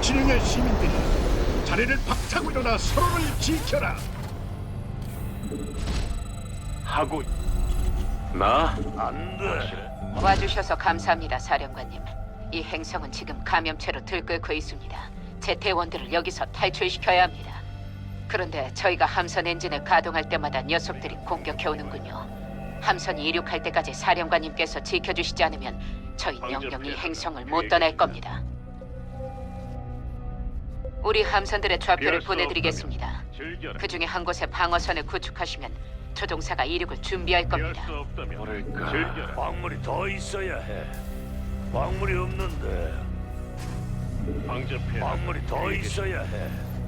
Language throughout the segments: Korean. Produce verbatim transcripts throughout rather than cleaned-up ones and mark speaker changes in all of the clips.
Speaker 1: 자치령의 시민들이 자리를 박차고 일어나 서로를 지켜라.
Speaker 2: 하고 나
Speaker 3: 안 돼.
Speaker 4: 와주셔서 감사합니다, 사령관님. 이 행성은 지금 감염체로 들끓고 있습니다. 제 대원들을 여기서 탈출시켜야 합니다. 그런데 저희가 함선 엔진을 가동할 때마다 녀석들이 공격해오는군요. 함선이 이륙할 때까지 사령관님께서 지켜주시지 않으면 저희 영영 이 행성을 못 떠날 겁니다. 우리 함선들의 좌표를 보내드리겠습니다.
Speaker 2: 즐겨라.
Speaker 4: 그 중에 한 곳에 방어선을 구축하시면 조종사가 이륙을 준비할
Speaker 2: 피할
Speaker 4: 겁니다.
Speaker 2: 수 없다면
Speaker 3: 뭐랄까.
Speaker 2: 즐겨라.
Speaker 3: 광물이 더 있어야 해. 광물이 없는데.
Speaker 2: 방접해.
Speaker 3: 광물이 더 있어야 해.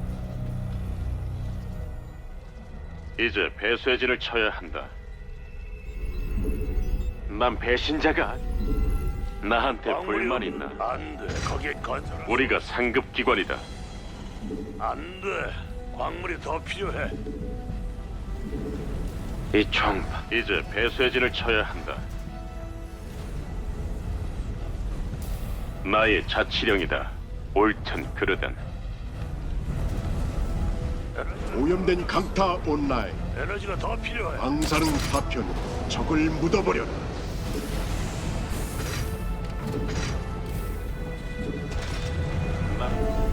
Speaker 2: 이제 배쇄진을 쳐야 한다. 난 배신자가 아니- 나한테
Speaker 3: 광물이
Speaker 2: 불만
Speaker 3: 없-
Speaker 2: 있나?
Speaker 3: 안 돼. 거기에 건설.
Speaker 2: 우리가 상급 기관이다.
Speaker 3: 안 돼. 광물이 더 필요해.
Speaker 2: 이 총 이제 배쇄진을 쳐야 한다. 나의 자치령이다. 옳든 그르든.
Speaker 1: 오염된 강타 온라인,
Speaker 3: 에너지가 더 필요해.
Speaker 1: 방사능 파편으로 적을 묻어버려라.
Speaker 2: 나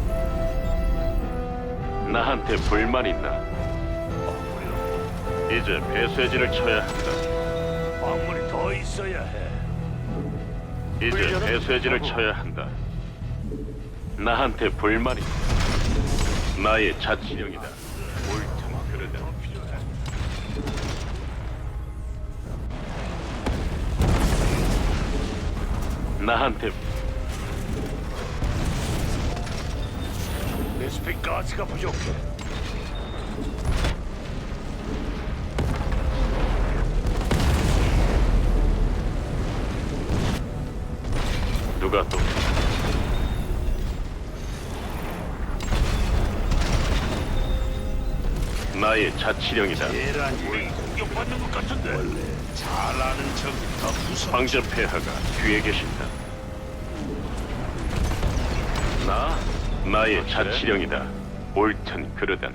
Speaker 2: 나한테 불만 있나?
Speaker 3: 광물이 없-
Speaker 2: 이제 배쇄진을 쳐야 한다.
Speaker 3: 광물이 더 있어야 해.
Speaker 2: 이제
Speaker 3: 훈련은
Speaker 2: 배쇄진을
Speaker 3: 하고.
Speaker 2: 쳐야 한다. 나한테 불만 있나? 나의 자치령이다. 옳든 그르든.
Speaker 3: 더 필요해.
Speaker 2: 나한테
Speaker 3: 레스피 가스가 부족해.
Speaker 2: 누가 또 나의 자치령이다.
Speaker 3: 얘란 우리 공격받는 것 같은데. 원래 잘하는 적이 더 무서워.
Speaker 2: 황제 폐하가 뒤에 계신다. 나 나의 자치령이다. 옳든 그르든.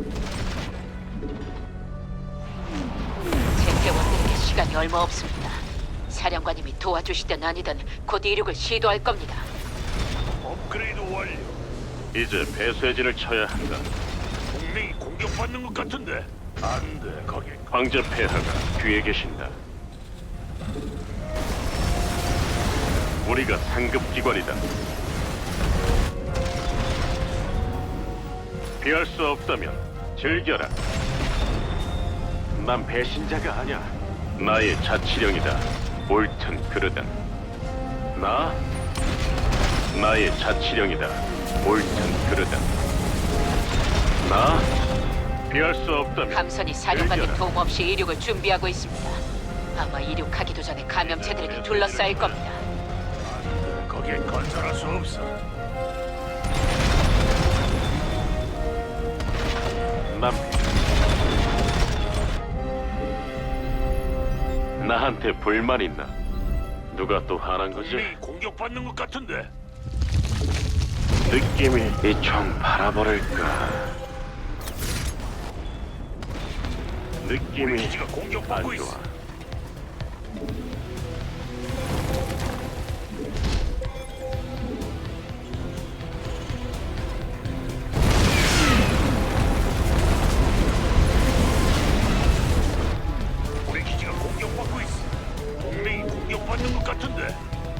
Speaker 4: 제 대원들에게 시간이 얼마 없습니다. 사령관님이 도와주시든 아니든 곧 이륙을 시도할 겁니다.
Speaker 3: 업그레이드 완료.
Speaker 2: 이제 배쇄진을 쳐야 한다.
Speaker 3: 동맹이 공격받는 것 같은데. 안 돼. 거기
Speaker 2: 황제 폐하가 뒤에 계신다. 우리가 상급 기관이다. 피할 수 없다면 즐겨라. 난 배신자가 아니야. 나의 자치령이다. 옳든 그르든. 나 나의 자치령이다. 옳든 그르든. 나 피할 수 없다면
Speaker 4: 함선이 사령관님
Speaker 2: 즐겨라.
Speaker 4: 도움 없이 이륙을 준비하고 있습니다. 아마 이륙하기도 전에 감염체들에게 둘러싸일 겁니다.
Speaker 3: 거기에 건설할 수 없어.
Speaker 2: 난 나한테 불만 있나? 누가 또 화난 거지?
Speaker 3: 동맹이 공격받는 것 같은데.
Speaker 2: 느낌이 이 총 바라버릴까?
Speaker 3: 우리
Speaker 2: 느낌이
Speaker 3: 기지가 공격받고
Speaker 2: 안
Speaker 3: 있어.
Speaker 2: 좋아.
Speaker 3: 우리 기지가 공격받고 있어. 동맹이 공격받는 것 같은데.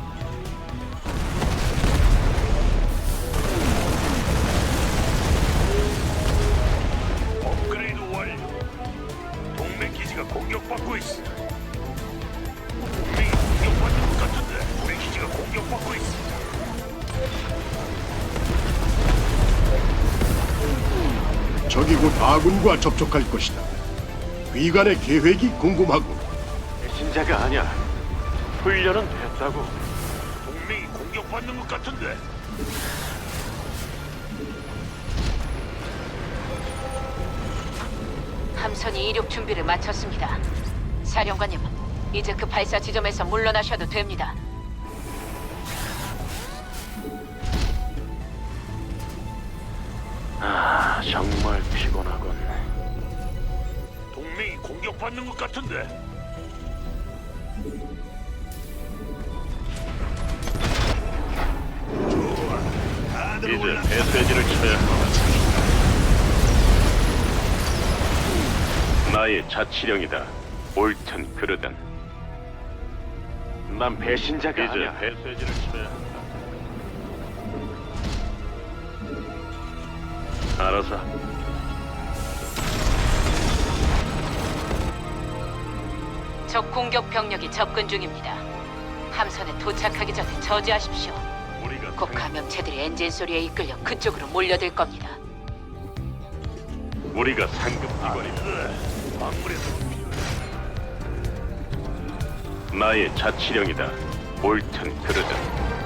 Speaker 3: 업그레이드 완료. 동맹 기지가 공격받고 있어. 동맹이 공격받는 것 같은데. 우리 기지가 공격받고 있어.
Speaker 1: 적이 곧 아군과 접촉할 것이다. 위관의 계획이 궁금하고
Speaker 2: 배신자가 아니야. 훈련은 됐다고.
Speaker 3: 동맹이 공격받는 것 같은데.
Speaker 4: 함선이 이륙 준비를 마쳤습니다. 사령관님, 이제 그 발사 지점에서 물러나셔도 됩니다.
Speaker 2: 정말 피곤하군.
Speaker 3: 동맹이 공격받는 것 같은데. 다들
Speaker 2: 이제
Speaker 3: 올라.
Speaker 2: 배쇄진을 쳐야 한다. 나의 자치령이다. 옳든 그르든. 난 배신자가 이제 아니야. 배쇄진을 쳐야 한다. 알아서.
Speaker 4: 적 공격 병력이 접근 중입니다. 함선에 도착하기 전에 저지하십시오.
Speaker 2: 우리가
Speaker 4: 곧
Speaker 2: 상-
Speaker 4: 감염체들이 엔진 소리에 이끌려 그쪽으로 몰려들 겁니다.
Speaker 2: 우리가 상급 기관이다.
Speaker 3: 아무래도
Speaker 2: 나의 자치령이다. 옳든 그르든.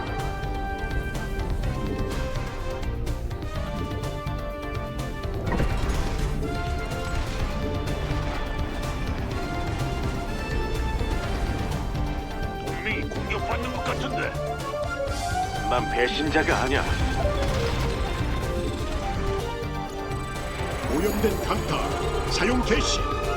Speaker 3: 동맹이 공격받는 것 같은데.
Speaker 2: 난 배신자가 아니야.
Speaker 1: 오염된 강타 사용 개시.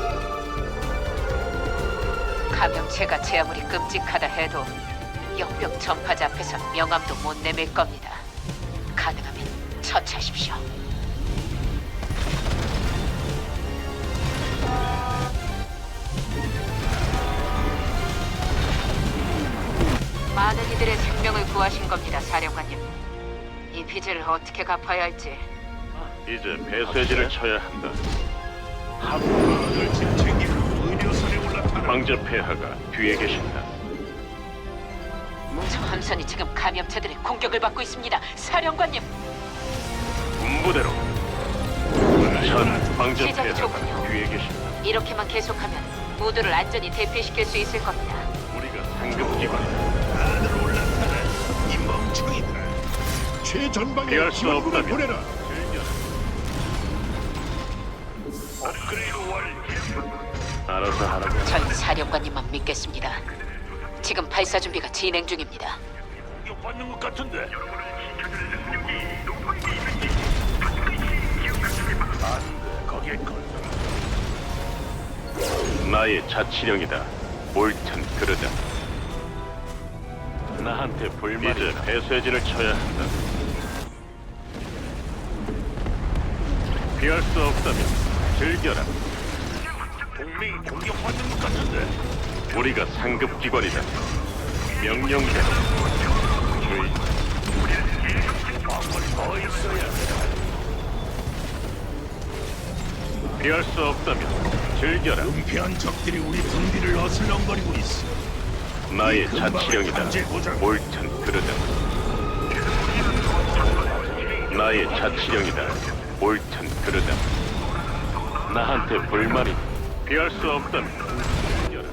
Speaker 4: 감염체가 제 아무리 끔찍하다 해도 역병 전파자 앞에서 명함도 못 내밀 겁니다. 가능하면 처치하십시오. 많은 이들의 생명을 구하신 겁니다, 사령관님. 이 빚을 어떻게 갚아야 할지.
Speaker 2: 이제 배쇄진을 쳐야 한다.
Speaker 3: 하루를 짐 챙기고 의료선에 올라타라.
Speaker 2: 황제 폐하가 뒤에 계신다.
Speaker 4: 저 함선이 지금 감염체들의 공격을 받고 있습니다, 사령관님.
Speaker 2: 군부대로. 전 황제
Speaker 4: 시작이
Speaker 2: 폐하가
Speaker 4: 좋군요.
Speaker 2: 뒤에 계신다.
Speaker 4: 이렇게만 계속하면 모두를 안전히 대피시킬 수 있을 겁니다.
Speaker 2: 우리가 상급 기관이다.
Speaker 3: 다들 올라타라. 이 멍청이들.
Speaker 1: 최전방에
Speaker 2: 피할 수
Speaker 1: 지원군을
Speaker 2: 없다면.
Speaker 1: 보내라.
Speaker 3: 업그레이드 완료.
Speaker 2: 알아서 하라고.
Speaker 4: 전 사령관님만 믿겠습니다. 지금 발사 준비가 진행 중입니다.
Speaker 3: 공격받는 것 같은데. 안돼, 거기에 걸.
Speaker 2: 나의 자치령이다. 옳든 그르든. 나한테 불만. 이제 배쇄진을 쳐야 한다. 피할 수 없다면 즐겨라.
Speaker 3: 동맹이 공격받는 것 같은데.
Speaker 2: 우리가 상급 기관이다. 명령대로. 주의.
Speaker 3: 광물이 더 있어야 돼.
Speaker 2: 피할 수 없다면 즐겨라.
Speaker 3: 은폐한 적들이 우리 군비를 어슬렁거리고 있어.
Speaker 2: 나의 자치령이다. 옳든 그르든. 나의 자치령이다. 옳든 그르든. 나한테 불만이. 피할 수 없다면 즐겨라.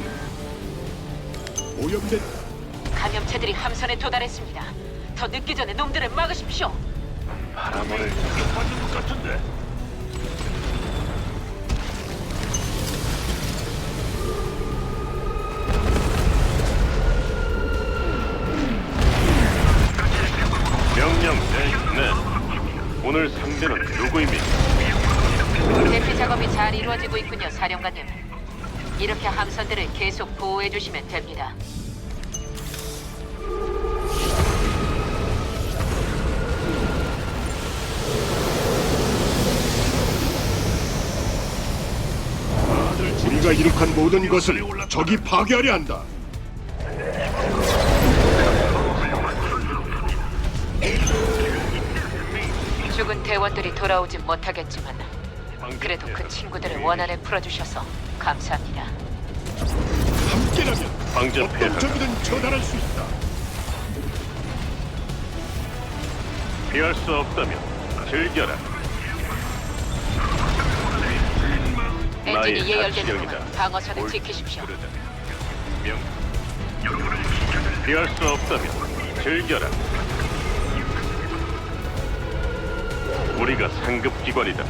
Speaker 1: 오염된
Speaker 4: 감염체들이 함선에 도달했습니다. 더 늦기 전에 놈들을 막으십시오.
Speaker 2: 바람을
Speaker 3: 공격받는 것 같은데.
Speaker 2: 명령 네. 네. 오늘 상대는 누구입니까?
Speaker 4: 대피 작업이 잘 이루어지고 있군요, 사령관님. 이렇게 함선들을 계속 보호해 주시면 됩니다.
Speaker 1: 우리가 이룩한 모든 것을 적이 파괴하려 한다.
Speaker 4: 죽은 대원들이 돌아오진 못하겠지만 그래도 그 친구들의 원한을 풀어주셔서 감사합니다.
Speaker 1: 함께라면
Speaker 2: 황제
Speaker 1: 어떤
Speaker 2: 폐하가
Speaker 1: 적이든 처단할 수 있다.
Speaker 2: 피할 수 없다면 즐겨라.
Speaker 4: 엔진이
Speaker 2: 나의
Speaker 4: 예열되는
Speaker 2: 자치령이다.
Speaker 4: 동안 방어선을
Speaker 2: 옳든
Speaker 4: 지키십시오.
Speaker 2: 그르든. 명. 피할 수 없다면 즐겨라. 우리가 상급 기관이다.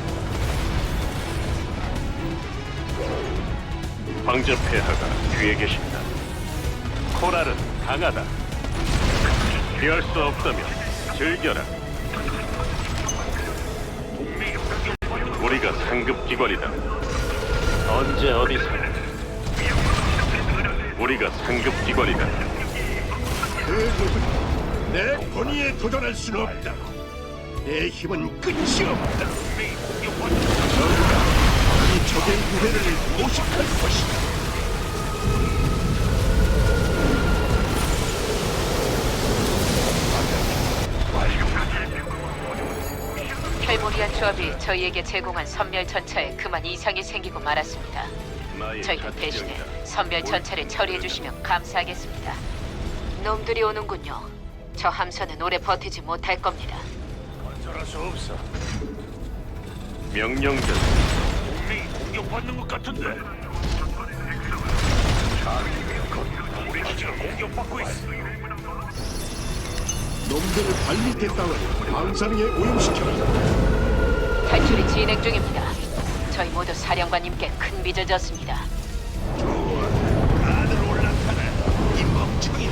Speaker 2: 황제 폐하가 뒤에 계신다. 코랄은 강하다. 피할 수 없다면 즐겨라.
Speaker 3: 동맹이 공격
Speaker 2: 우리가 상급 기관이다. 언제 어디서? 우리가 상급 기관이다.
Speaker 1: 그 누구도 내 권위에 도전할 수는 없다. 내 힘은 끝이 없다. 너희가 이 적의 유해를 모식할 것이다.
Speaker 4: 켈모리안 조합이 저희에게 제공한 선멸 전차에 그만 이상이 생기고 말았습니다.
Speaker 2: 나의
Speaker 4: 저희들 대신에
Speaker 2: 자치령이다.
Speaker 4: 선멸 전차를 처리해 주시면 감사하겠습니다. 놈들이 오는군요. 저 함선은 오래 버티지 못할 겁니다.
Speaker 3: 어쩔 수 없어.
Speaker 2: 명령전.
Speaker 3: 동맹이 공격받는 것 같은데. 우리 기지가 공격받고 있어.
Speaker 1: 놈들을 발밑에 따와 방사능에 오염시켜라.
Speaker 4: 탈출이 진행 중입니다. 저희 모두 사령관님께 큰 빚을 졌습니다.
Speaker 3: 다들 올라타네. 이 멍청이.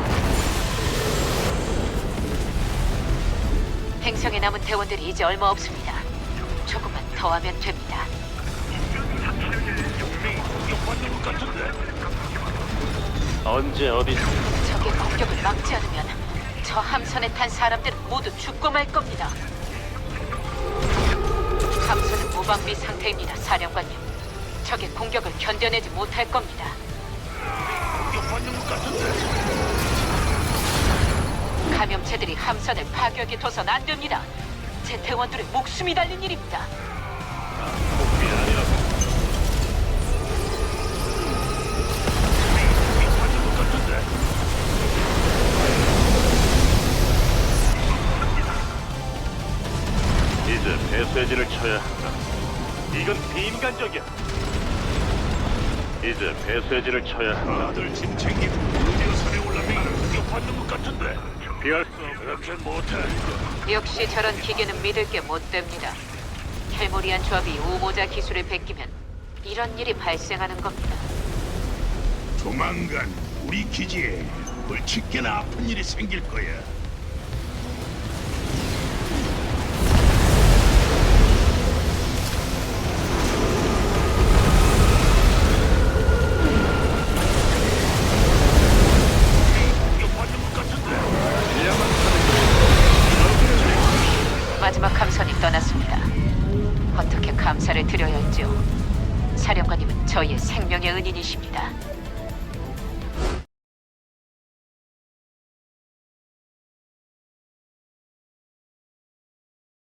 Speaker 4: 행성에 남은 대원들이 이제 얼마 없습니다. 조금만 더 하면 됩니다.
Speaker 3: 동맹이 공격받는 것 같은데.
Speaker 2: 언제 어디서?
Speaker 4: 적의 공격을 막지 않으면 저 함선에 탄 사람들은 모두 죽고 말 겁니다. 함선은 무방비 상태입니다, 사령관님. 적의 공격을 견뎌내지 못할 겁니다.
Speaker 3: 공격받는 것 같은데.
Speaker 4: 감염체들이 함선을 파괴하게 둬선 안 됩니다. 제 대원들의 목숨이 달린 일입니다.
Speaker 3: 공격받는 것 같은데.
Speaker 2: 이제 배쇄진을 쳐야 한다. 이건 비인간적이야. 이제 배쇄진을 쳐야 한다.
Speaker 3: 다들 짐 챙기고 드디어 산에 올라면 공격받는 것 같은데.
Speaker 2: 피할
Speaker 3: 그렇게 못해.
Speaker 4: 역시 저런 기계는 믿을 게 못 됩니다. 켈모리안 조합이 우모자 기술을 베끼면 이런 일이 발생하는 겁니다.
Speaker 3: 조만간 우리 기지에 벌칙게나 아픈 일이 생길 거야. 공격받는 것 같은데.
Speaker 4: 마지막 함선이 떠났습니다. 어떻게 감사를 드려야 할지요. 사령관님은 저희의 생명의 은인이십니다.